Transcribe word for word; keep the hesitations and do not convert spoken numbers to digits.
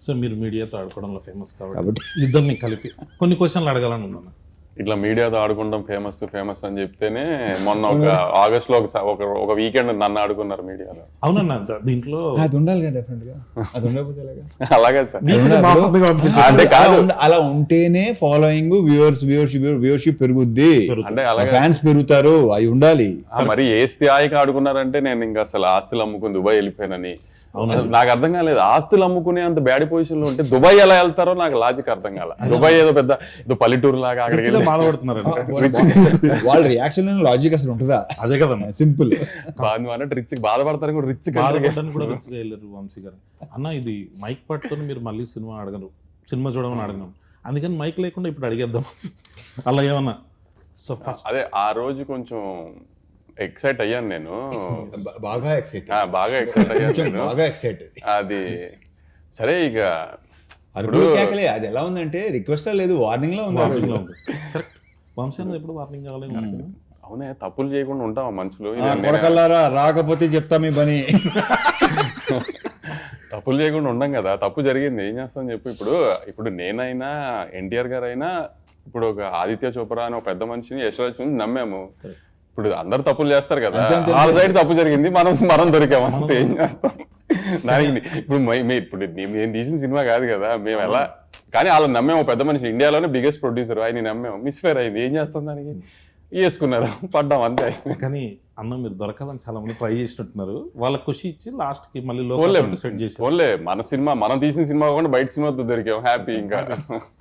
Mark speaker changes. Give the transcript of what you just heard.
Speaker 1: So మీరు మీడియాతో ఆడుకోవడంలో famous కాబట్టి ఇద్దరిని కలిపి కొన్ని క్వశ్చన్లు అడగాలని ఉందన్న.
Speaker 2: ఇట్లా మీడియాతో ఆడుకుంటాం ఫేమస్ ఫేమస్ అని చెప్తేనే మొన్న ఒక ఆగస్ట్ లో ఒక ఒక వీకెండ్ నన్ను ఆడుకున్నారు మీడియాలో.
Speaker 1: అవునన్న, దీంట్లో
Speaker 3: అది ఉండాలి కదా డెఫినెట్ గా, అది ఉండకపోతే ఎలాగా?
Speaker 2: అలాగే సార్,
Speaker 3: అంటే అలా ఉంటేనే ఫాలోయింగ్, వ్యూవర్స్ వ్యూవర్షిప్ వ్యూవర్షిప్ పెరుగుద్ది,
Speaker 2: అంటే అలాగే
Speaker 3: ఫ్యాన్స్ పెరుగుతారు, అవి ఉండాలి.
Speaker 2: మరి ఏ స్థాయికి ఆడుకున్నారంటే నేను ఇంకా అసలు ఆస్తులు అమ్ముకుని దుబాయ్ వెళ్ళిపోయానని. నాకు అర్థం కాలేదు, ఆస్తులు అమ్ముకునే అంత బ్యాడ్ పొజిషన్ లో ఉంటే దుబాయ్ ఎలా వెళ్తారో నాకు లాజిక్ అర్థం కాల. దుబాయ్ ఏదో పెద్ద ఏదో పల్లెటూరు లాగా అక్కడికి
Speaker 1: బాధపడుతున్నారు.
Speaker 3: వాళ్ళ రియాక్షన్ లాజిక్ అసలు ఉంటుందా?
Speaker 1: అదే కదా
Speaker 3: సింపుల్.
Speaker 2: బాధ అంటే రిచ్ బాధపడతారు కూడా, రిచ్
Speaker 1: బాధపడడానికి కూడా రిచ్గా వెళ్ళారు వంశీ గారు. అన్న ఇది మైక్ పట్టుకొని మీరు మళ్ళీ సినిమా అడగరు, సినిమా చూడమని అడగను, అందుకని మైక్ లేకుండా ఇప్పుడు అడిగేద్దాం అలా ఏమన్నా. సో ఫస్ట్
Speaker 2: అదే ఆ రోజు కొంచెం ఎక్సైట్ అయ్యాను నేను,
Speaker 3: బాగా ఎక్సైట్
Speaker 2: బాగా ఎక్సైట్ అయ్యాను
Speaker 3: బాగా ఎక్సైట్.
Speaker 2: అది సరే, ఇక
Speaker 3: అరుపులు కేకలే. అది ఎలా ఉందంటే రిక్వెస్ట్ లేదు, వార్నింగ్ లో ఉంది.
Speaker 1: వార్నింగ్ లో ఉంది. కరెక్ట్. వంశీ అన్నది ఎప్పుడు వార్నింగ్ కావాలి.
Speaker 2: అవునే, తప్పులు చేయకుండా ఉంటాం మనుషులు.
Speaker 3: కొడకల్లారా రాకపోతే చెప్తా మీ పని.
Speaker 2: తప్పులు చేయకుండా ఉండం కదా, తప్పు జరిగింది ఏం చేస్తాం చెప్పు. ఇప్పుడు ఇప్పుడు నేనైనా ఎన్టీఆర్ గారు అయినా ఇప్పుడు ఒక ఆదిత్య చోప్రా అని ఒక పెద్ద మనిషిని యశ్వరాజ్ నమ్మాము. ఇప్పుడు అందరు తప్పులు చేస్తారు కదా, వాళ్ళ సైడ్ తప్పు జరిగింది, మనం మనం దొరికాము, అంతే. ఏం చేస్తాం దానికి? ఇప్పుడు ఇప్పుడు నేను తీసిన సినిమా కాదు కదా, మేము ఎలా, కానీ వాళ్ళని నమ్మాము. పెద్ద మనిషి, ఇండియాలోనే బిగ్గెస్ట్ ప్రొడ్యూసర్, ఆయన నమ్మాము, మిస్ఫేర్ అయింది, ఏం చేస్తాం దానికి? వేసుకున్నారు, పడ్డాం, అంతే.
Speaker 1: కానీ అన్న మీరు దొరకాలని చాలా మంది ట్రై చేసినట్టున్నారు, వాళ్ళకి ఖుషి ఇచ్చి లాస్ట్ కి మళ్ళీ లోపల సెట్ చేసి
Speaker 2: మన సినిమా మనం తీసిన సినిమా కాకుండా బయట సినిమాతో దొరికాం, హ్యాపీ. ఇంకా